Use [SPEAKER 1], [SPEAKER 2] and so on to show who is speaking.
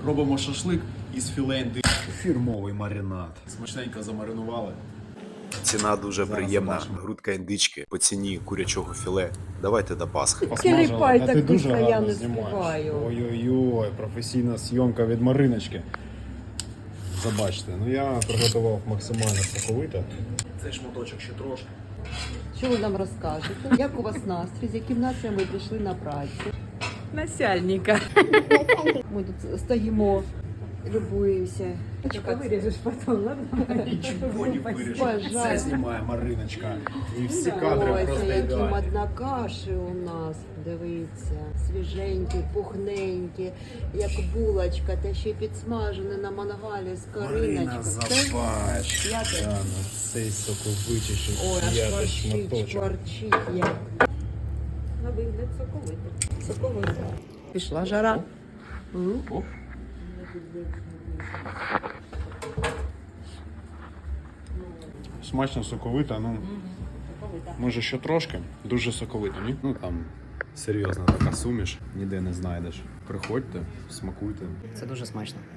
[SPEAKER 1] Робимо шашлик із філе індички.
[SPEAKER 2] Фірмовий маринад.
[SPEAKER 1] Смачненько замаринували.
[SPEAKER 2] Ціна дуже
[SPEAKER 1] Зараз
[SPEAKER 2] приємна.
[SPEAKER 1] побачимо.
[SPEAKER 2] Грудка індички по ціні курячого філе. Давайте до Пасхи.
[SPEAKER 3] Кліпай
[SPEAKER 4] а
[SPEAKER 3] так
[SPEAKER 4] ти дуже
[SPEAKER 3] быстро я
[SPEAKER 4] гарно
[SPEAKER 3] не
[SPEAKER 4] знімаєш.
[SPEAKER 3] співаю.
[SPEAKER 4] Ой-ой-ой, професійна зйомка від Мариночки. Забачте, ну я приготував максимально соковито.
[SPEAKER 1] Цей шматочок ще трошки.
[SPEAKER 3] Що ви нам розкажете? Як у вас настрій? З яким настроєм ви прийшли на працю?
[SPEAKER 5] Начальника.
[SPEAKER 3] Ми тут стоїмо, любуємося.
[SPEAKER 5] Вырежешь потом, ладно?
[SPEAKER 1] Нічого не вирішив.
[SPEAKER 3] Пожалуйста.
[SPEAKER 1] Все знімає Мариночка. І всі кадри
[SPEAKER 3] Ось,
[SPEAKER 1] просто
[SPEAKER 3] які
[SPEAKER 1] ідеальні.
[SPEAKER 3] маднакаші у нас, дивіться, свіженькі, пухненькі, як булочка, та ще й підсмажені на мангалі з
[SPEAKER 4] Марина,
[SPEAKER 3] кориночкою.
[SPEAKER 4] забач.
[SPEAKER 3] Я теж.
[SPEAKER 4] Та, ну, цей соковитіший
[SPEAKER 3] Ой, аж
[SPEAKER 4] п'ятий
[SPEAKER 3] шкварчить,
[SPEAKER 4] шматочок.
[SPEAKER 3] шкварчить як.
[SPEAKER 5] На вигляд соковитий.
[SPEAKER 3] Соковито.
[SPEAKER 5] Пішла жара.
[SPEAKER 1] Оп.
[SPEAKER 4] Смачно соковита, ну може ще трошки. Дуже соковито, ні? Ну там серйозна така суміш, ніде не знайдеш. Приходьте, смакуйте.
[SPEAKER 6] Це дуже смачно.